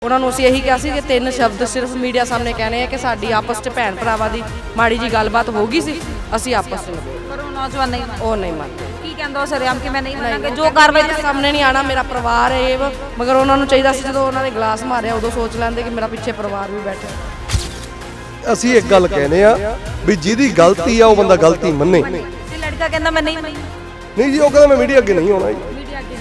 उन्होंने ਅਸੀਂ ਇਹੀ ਕਿਹਾ ਸੀ ਕਿ ਤਿੰਨ ਸ਼ਬਦ ਸਿਰਫ ਮੀਡੀਆ ਸਾਹਮਣੇ ਕਹਿਣੇ ਆ ਕਿ ਸਾਡੀ ਆਪਸ 'ਚ ਭੈਣ ਭਰਾਵਾਂ ਦੀ ਮਾੜੀ ਜੀ ਗੱਲਬਾਤ ਹੋ ਗਈ ਸੀ, ਅਸੀਂ ਆਪਸ 'ਚ ਨਿਬੇੜ। ਪਰ ਉਹ ਨੌਜਵਾਨ ਨਹੀਂ ਮੰਨਦੇ। ਉਹ ਨਹੀਂ ਮੰਨਦੇ। ਕੀ ਕਹਿੰਦਾ ਉਹ ਸਰਿਆਮ ਕਿ ਮੈਂ ਨਹੀਂ ਮੰਨਾਂਗਾ, ਜੋ ਕਾਰਵਾਈ ਮੇਰੇ ਸਾਹਮਣੇ ਨਹੀਂ ਆਣਾ, ਮੇਰਾ ਪਰਿਵਾਰ ਹੈ ਇਹ। ਮਗਰ ਉਹਨਾਂ ਨੂੰ ਚਾਹੀਦਾ ਸੀ ਜਦੋਂ ਉਹਨਾਂ ਨੇ ਗਲਾਸ ਮਾਰਿਆ ਉਦੋਂ ਸੋਚ ਲੈਂਦੇ ਕਿ ਮੇਰਾ ਪਿੱਛੇ ਪਰਿਵਾਰ ਵੀ ਬੈਠਾ। ਅਸੀਂ ਇੱਕ ਗੱਲ ਕਹਿੰਦੇ ਆ ਵੀ ਜਿਹਦੀ ਗਲਤੀ ਆ ਉਹ ਬੰਦਾ ਗਲਤੀ ਮੰਨੇ। ਤੇ ਲੜਕਾ ਕਹਿੰਦਾ ਮੈਂ ਨਹੀਂ ਮੰਨੀ। ਨਹੀਂ ਜੀ, ਉਹ ਕਹਿੰਦਾ ਮੈਂ ਮੀਡੀਆ ਅੱਗੇ ਨਹੀਂ ਆਉਣਾ ਜੀ। ਮੀਡੀਆ ਅੱਗੇ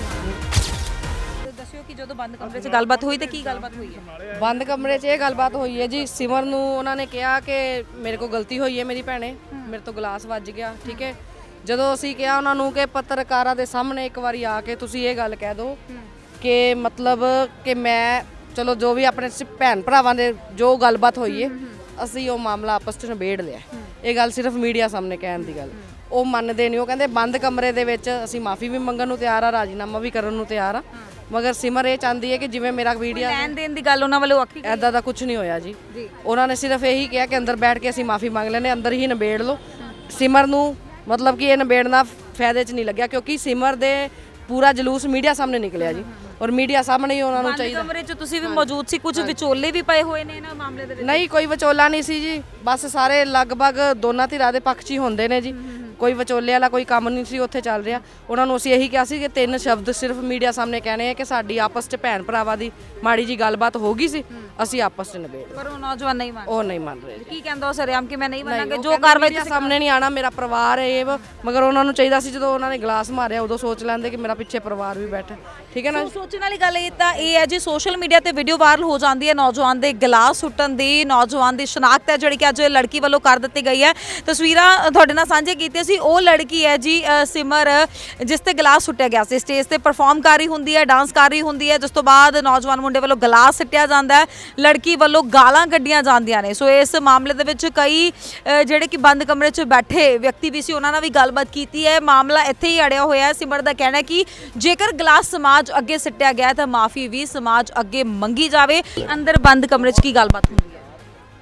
ਨਹੀਂ। ਦੱਸਿਓ ਕਿ ਜਦੋਂ ਬੰਦ ਕਮਰੇ 'ਚ ਗੱਲਬਾਤ ਹੋਈ ਤੇ ਕੀ ਗੱਲਬਾਤ ਹੋਈ ਹੈ? ਬੰਦ ਕਮਰੇ 'ਚ ਇਹ ਗੱਲਬਾਤ ਹੋਈ ਹੈ ਜੀ। ਸਿਮਰ ਨੂੰ ਉਹਨਾਂ ਨੇ ਕਿਹਾ ਕਿ ਮੇਰੇ ਕੋਲ ਗਲਤੀ ਹੋਈ ਹੈ, ਮੇਰੀ ਭੈਣੇ ਮੇਰੇ ਤੋਂ ਗਲਾਸ ਵੱਜ ਗਿਆ, ਠੀਕ ਹੈ। ਜਦੋਂ ਅਸੀਂ ਕਿਹਾ ਉਹਨਾਂ ਨੂੰ ਕਿ ਪੱਤਰਕਾਰਾਂ ਦੇ ਸਾਹਮਣੇ ਇੱਕ ਵਾਰੀ ਆ ਕੇ ਤੁਸੀਂ ਇਹ ਗੱਲ ਕਹਿ ਦਿਓ ਕਿ ਮਤਲਬ ਕਿ ਮੈਂ ਚਲੋ ਜੋ ਵੀ ਆਪਣੇ ਭੈਣ ਭਰਾਵਾਂ ਦੇ ਜੋ ਗੱਲਬਾਤ ਹੋਈ ਹੈ ਅਸੀਂ ਉਹ ਮਾਮਲਾ ਆਪਸ 'ਚ ਨਿਬੇੜ ਲਿਆ। ਇਹ ਗੱਲ ਸਿਰਫ ਮੀਡੀਆ ਸਾਹਮਣੇ ਕਹਿਣ ਦੀ ਗੱਲ, ਉਹ ਮੰਨਦੇ ਨਹੀਂ। ਉਹ ਕਹਿੰਦੇ ਬੰਦ ਕਮਰੇ ਦੇ ਵਿੱਚ ਅਸੀਂ ਮਾਫੀ ਵੀ ਮੰਗਣ ਨੂੰ ਤਿਆਰ ਆ, ਰਾਜੀਨਾਮਾ ਵੀ ਕਰਨ ਨੂੰ ਤਿਆਰ ਆ। ਮਗਰ ਸਿਮਰ ਇਹ ਚਾਹੁੰਦੀ ਹੈ ਕਿ ਜਿਵੇਂ ਮੇਰਾ ਵੀਡੀਓ ਲੈਣ ਦੇਣ ਦੀ ਗੱਲ ਉਹਨਾਂ ਵੱਲੋਂ ਆਖੀ ਐਦਾਂ ਦਾ ਕੁਝ ਨਹੀਂ ਹੋਇਆ ਜੀ। ਉਹਨਾਂ ਨੇ ਸਿਰਫ ਇਹੀ ਕਿਹਾ ਕਿ ਅੰਦਰ ਬੈਠ ਕੇ ਅਸੀਂ ਮਾਫੀ ਮੰਗ ਲੈਨੇ, ਅੰਦਰ ਹੀ ਨਿਬੇੜ ਲਓ। ਸਿਮਰ ਨੂੰ ਮਤਲਬ ਕਿ ਇਹ ਨਿਬੇੜਨਾ ਫਾਇਦੇ 'ਚ ਨਹੀਂ ਲੱਗਿਆ ਕਿਉਂਕਿ ਸਿਮਰ ਦੇ ਪੂਰਾ ਜਲੂਸ ਮੀਡੀਆ ਸਾਹਮਣੇ ਨਿਕਲਿਆ ਜੀ, ਔਰ ਮੀਡੀਆ ਸਾਹਮਣੇ ਹੀ ਉਹਨਾਂ ਨੂੰ ਚਾਹੀਦਾ। ਕਮਰੇ 'ਚ ਤੁਸੀਂ ਵੀ ਮੌਜੂਦ ਸੀ, ਕੁਝ ਵਿਚੋਲੇ ਵੀ ਪਏ ਹੋਏ ਨੇ ਇਹਨਾਂ ਮਾਮਲੇ ਦੇ ਵਿੱਚ? ਨਹੀਂ, ਕੋਈ ਵਿਚੋਲਾ ਨਹੀਂ ਸੀ ਜੀ, ਬਸ ਸਾਰੇ ਲਗਭਗ ਦੋਨਾਂ ਧਿਰਾਂ ਦੇ ਪੱਖ 'ਚ ਹੀ ਹੁੰਦੇ ਨੇ ਜੀ। ਕੋਈ ਵਿਚੋਲੇ ਵਾਲਾ ਕੋਈ ਕੰਮ ਨਹੀਂ ਸੀ ਉੱਥੇ ਚੱਲ ਰਿਹਾ। ਉਹਨਾਂ ਨੂੰ ਅਸੀਂ ਇਹੀ ਕਿਹਾ ਸੀ ਕਿ ਤਿੰਨ ਸ਼ਬਦ ਸਿਰਫ ਮੀਡੀਆ ਸਾਹਮਣੇ ਕਹਿਣੇ ਆ ਕਿ ਸਾਡੀ ਆਪਸ 'ਚ ਭੈਣ ਭਰਾਵਾਂ ਦੀ ਮਾੜੀ ਜੀ ਗੱਲਬਾਤ ਹੋ ਗਈ ਸੀ, ਅਸੀਂ ਆਪਸ 'ਚ ਨਿਬੇੜ। ਪਰ ਉਹ ਨੌਜਵਾਨ ਨਹੀਂ ਮੰਨਦੇ। ਉਹ ਨਹੀਂ ਮੰਨ ਰਹੇ ਜੀ। ਕੀ ਕਹਿੰਦਾ ਉਹ ਸਰਿਆਮ ਕਿ ਮੈਂ ਨਹੀਂ ਮੰਨਾਂਗਾ, ਜੋ ਕਾਰਵਾਈ ਮੇਰੇ ਸਾਹਮਣੇ ਨਹੀਂ ਆਣਾ, ਮੇਰਾ ਪਰਿਵਾਰ ਹੈ ਇਹ। ਮਗਰ ਉਹਨਾਂ ਨੂੰ ਚਾਹੀਦਾ ਸੀ ਜਦੋਂ ਉਹਨਾਂ ਨੇ ਗਲਾਸ ਮਾਰਿਆ ਉਦੋਂ ਸੋਚ ਲੈਂਦੇ ਕਿ ਮੇਰਾ ਪਿੱਛੇ ਪਰਿਵਾਰ ਵੀ ਬੈਠਾ, ਠੀਕ ਹੈ ਨਾ। ਸੋਚਣ ਵਾਲੀ ਗੱਲ ਇਹ ਤਾਂ ਇਹ ਹੈ ਜੀ, ਸੋਸ਼ਲ ਮੀਡੀਆ ਤੇ ਵੀਡੀਓ ਵਾਇਰਲ ਹੋ ਜਾਂਦੀ ਹੈ ਨੌਜਵਾਨ ਦੇ ਗਲਾਸ ਸੁੱਟਣ ਦੀ, ਨੌਜਵਾਨ ਦੀ ਸ਼ਨਾਖਤ ਹੈ ਜਿਹੜੀ ਕਿ ਅੱਜ ਲੜਕੀ ਵੱਲੋਂ ਕਰ ਦਿੱਤੀ ਗਈ ਹੈ। ਤਸਵੀਰਾਂ ਤੁਹਾਡੇ ਨਾਲ ਸਾਂਝੇ ਕੀਤੀਆਂ ਸੀ। ਉਹ ਲੜਕੀ ਹੈ ਜੀ ਸਿਮਰ, ਜਿਸ ਤੇ ਗਲਾਸ ਸੁੱਟਿਆ ਗਿਆ ਸੀ। ਸਟੇਜ ਤੇ ਪਰਫਾਰਮ ਕਰ ਰਹੀ ਹੁੰਦੀ ਹੈ, ਡਾਂਸ ਕਰ ਰਹੀ ਹੁੰਦੀ ਹੈ, ਜਿਸ ਤੋਂ ਬਾਅਦ ਨੌਜਵਾਨ ਮੁੰਡੇ ਵੱਲੋਂ ਗਲਾਸ ਸਿੱਟਿਆ ਜਾਂਦਾ ਹੈ, ਲੜਕੀ ਵੱਲੋਂ ਗਾਲਾਂ ਕੱਢੀਆਂ ਜਾਂਦੀਆਂ ਨੇ। ਸੋ ਇਸ ਮਾਮਲੇ ਦੇ ਵਿੱਚ ਕਈ ਜਿਹੜੇ ਕਿ ਬੰਦ ਕਮਰੇ 'ਚ ਬੈਠੇ ਵਿਅਕਤੀ ਵੀ ਸੀ, ਉਹਨਾਂ ਨਾਲ ਵੀ ਗੱਲਬਾਤ ਕੀਤੀ ਹੈ। ਮਾਮਲਾ ਇੱਥੇ ਹੀ ਅੜਿਆ ਹੋਇਆ ਹੈ। ਸਿਮਰ ਦਾ ਕਹਿਣਾ ਹੈ ਕਿ ਜੇਕਰ ਗਲਾਸ ਸਮਾਜ ਅੱਗੇ ਸਿੱਟਿਆ ਗਿਆ ਤਾਂ ਮਾਫੀ ਵੀ ਸਮਾਜ ਅੱਗੇ ਮੰਗੀ ਜਾਵੇ। ਅੰਦਰ ਬੰਦ ਕਮਰੇ 'ਚ ਕੀ ਗੱਲਬਾਤ ਹੁੰਦੀ ਹੈ?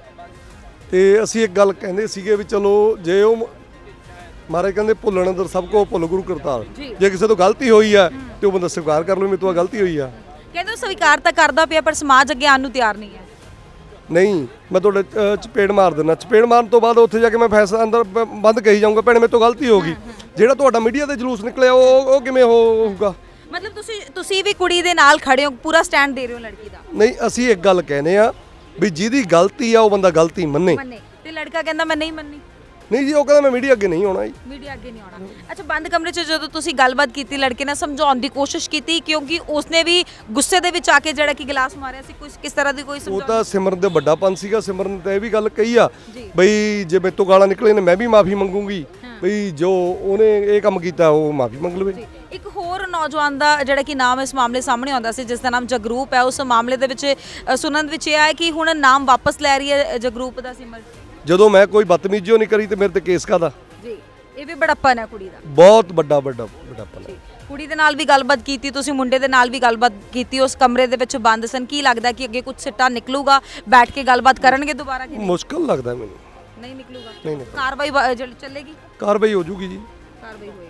ਤੇ ਅਸੀਂ ਇੱਕ ਗੱਲ ਕਹਿੰਦੇ ਸੀਗੇ ਵੀ ਚਲੋ ਜੇ ਉਹ ਮਹਾਰਾਜ ਕਹਿੰਦੇ ਭੁੱਲਣ ਅੰਦਰ ਸਭ ਕੋ ਭੁੱਲ ਗੁਰੂ ਕਰਤਾਰ। ਜੇ ਕਿਸੇ ਤੋਂ ਗਲਤੀ ਹੋਈ ਆ ਤੇ ਉਹ ਬੰਦਾ ਸਵੀਕਾਰ ਕਰ ਲਵੇ ਮੇਰੇ ਤੋਂ ਗਲਤੀ ਹੋਈ ਆ। ਕਹਿੰਦੇ ਸਵੀਕਾਰ ਤਾਂ ਕਰਦਾ ਪਿਆ ਪਰ ਸਮਾਜ ਅੱਗੇ ਆਉਣ ਨੂੰ ਤਿਆਰ ਨਹੀਂ ਹੈ। ਨਹੀਂ, ਮੈਂ ਤੁਹਾਡੇ ਚਪੇੜ ਮਾਰ ਦਿੰਦਾ। ਚਪੇੜ ਮਾਰਨ ਤੋਂ ਬਾਅਦ ਉੱਥੇ ਜਾ ਕੇ ਮੈਂ ਫੈਸਲਾ ਅੰਦਰ ਬੰਦ ਕਹੀ ਜਾਊਂਗਾ ਭੈਣੇ ਮੇਰੇ ਤੋਂ ਗਲਤੀ ਹੋ ਗਈ। ਜਿਹੜਾ ਤੁਹਾਡਾ ਮੀਡੀਆ ਤੇ ਜਲੂਸ ਨਿਕਲਿਆ ਉਹ ਕਿਵੇਂ ਹੋਊਗਾ? ਮਤਲਬ ਤੁਸੀਂ ਵੀ ਕੁੜੀ ਦੇ ਨਾਲ ਖੜੇ ਹੋ, ਪੂਰਾ ਸਟੈਂਡ ਦੇ ਰਹੇ ਹੋ ਲੜਕੀ ਦਾ? ਨਹੀਂ, ਅਸੀਂ ਇੱਕ ਗੱਲ ਕਹਿੰਦੇ ਆ ਵੀ ਜਿਹਦੀ ਗਲਤੀ ਆ ਉਹ ਬੰਦਾ ਗਲਤੀ ਮੰਨੇ। ਤੇ ਲੜਕਾ ਕਹਿੰਦਾ ਮੈਂ ਨਹੀਂ ਮੰਨੀ। ਨਹੀਂ ਜੀ, ਉਹ ਕਹਿੰਦਾ ਮੈਂ ਮੀਡੀਆ ਅੱਗੇ ਨਹੀਂ ਆਉਣਾ ਜੀ। ਮੀਡੀਆ ਅੱਗੇ ਨਹੀਂ ਆਉਣਾ। ਅੱਛਾ, ਬੰਦ ਕਮਰੇ 'ਚ ਜਦੋਂ ਤੁਸੀਂ ਗੱਲਬਾਤ ਕੀਤੀ, ਲੜਕੇ ਨੇ ਸਮਝਾਉਣ ਦੀ ਕੋਸ਼ਿਸ਼ ਕੀਤੀ ਕਿਉਂਕਿ ਉਸਨੇ ਵੀ ਗੁੱਸੇ ਦੇ ਵਿੱਚ ਆ ਕੇ ਜਿਹੜਾ ਕਿ ਗਲਾਸ ਮਾਰਿਆ ਸੀ, ਕਿਸ ਤਰ੍ਹਾਂ ਦੀ ਕੋਈ ਉਹ ਤਾਂ ਸਿਮਰਨ ਦੇ ਵੱਡਾਪਨ ਸੀਗਾ। ਸਿਮਰਨ ਨੇ ਤਾਂ ਇਹ ਵੀ ਗੱਲ ਕਹੀ ਆ ਬਈ ਜੇ ਮੇਰੇ ਤੋਂ ਗਾਲਾਂ ਨਿਕਲੇ ਨੇ ਮੈਂ ਵੀ ਮਾਫੀ ਮੰਗੂਗੀ, ਬਈ ਜੋ ਉਹਨੇ ਇਹ ਕੰਮ ਕੀਤਾ ਉਹ ਮਾਫੀ ਮੰਗ ਲਵੇ। ਇੱਕ ਹੋਰ ਨੌਜਵਾਨ ਦਾ ਜਿਹੜਾ ਕਿ ਨਾਮ ਇਸ ਮਾਮਲੇ ਸਾਹਮਣੇ ਆਉਂਦਾ ਸੀ, ਜਿਸ ਦਾ ਨਾਮ ਜਗਰੂਪ ਹੈ। ਉਸ ਮਾਮਲੇ ਦੇ ਵਿੱਚ ਸੁਣਨ ਵਿੱਚ ਇਹ ਆਇਆ ਕਿ ਹੁਣ ਨਾਮ ਵਾਪਸ ਲੈ ਰਹੀ ਹੈ ਜਗਰੂਪ ਦਾ ਸਿਮਰ। ਜਦੋਂ ਮੈਂ ਕੋਈ ਬਦਤਮੀਜ਼ੀ ਨਹੀਂ ਕਰੀ ਤੇ ਮੇਰੇ ਤੇ ਕੇਸ ਕਾਦਾ ਜੀ? ਇਹ ਵੀ ਬੜਾਪਨ ਹੈ ਕੁੜੀ ਦਾ, ਬਹੁਤ ਵੱਡਾ ਬੜਾਪਨ ਹੈ। ਕੁੜੀ ਦੇ ਨਾਲ ਵੀ ਗੱਲਬਾਤ ਕੀਤੀ ਤੁਸੀਂ, ਮੁੰਡੇ ਦੇ ਨਾਲ ਵੀ ਗੱਲਬਾਤ ਕੀਤੀ, ਉਸ ਕਮਰੇ ਦੇ ਵਿੱਚ ਬੰਦ ਸਨ। ਕੀ ਲੱਗਦਾ ਕਿ ਅੱਗੇ ਕੁਝ ਸਿੱਟਾ ਨਿਕਲੂਗਾ, ਬੈਠ ਕੇ ਗੱਲਬਾਤ ਕਰਨਗੇ ਦੁਬਾਰਾ ਕਿ ਮੁਸ਼ਕਲ ਲੱਗਦਾ ਮੈਨੂੰ। ਨਹੀਂ ਨਿਕਲੂਗਾ? ਨਹੀਂ। ਕਾਰਵਾਈ ਚੱਲੇਗੀ? ਕਾਰਵਾਈ ਹੋ ਜੂਗੀ ਜੀ। ਕਾਰਵਾਈ ਹੋਏਗੀ।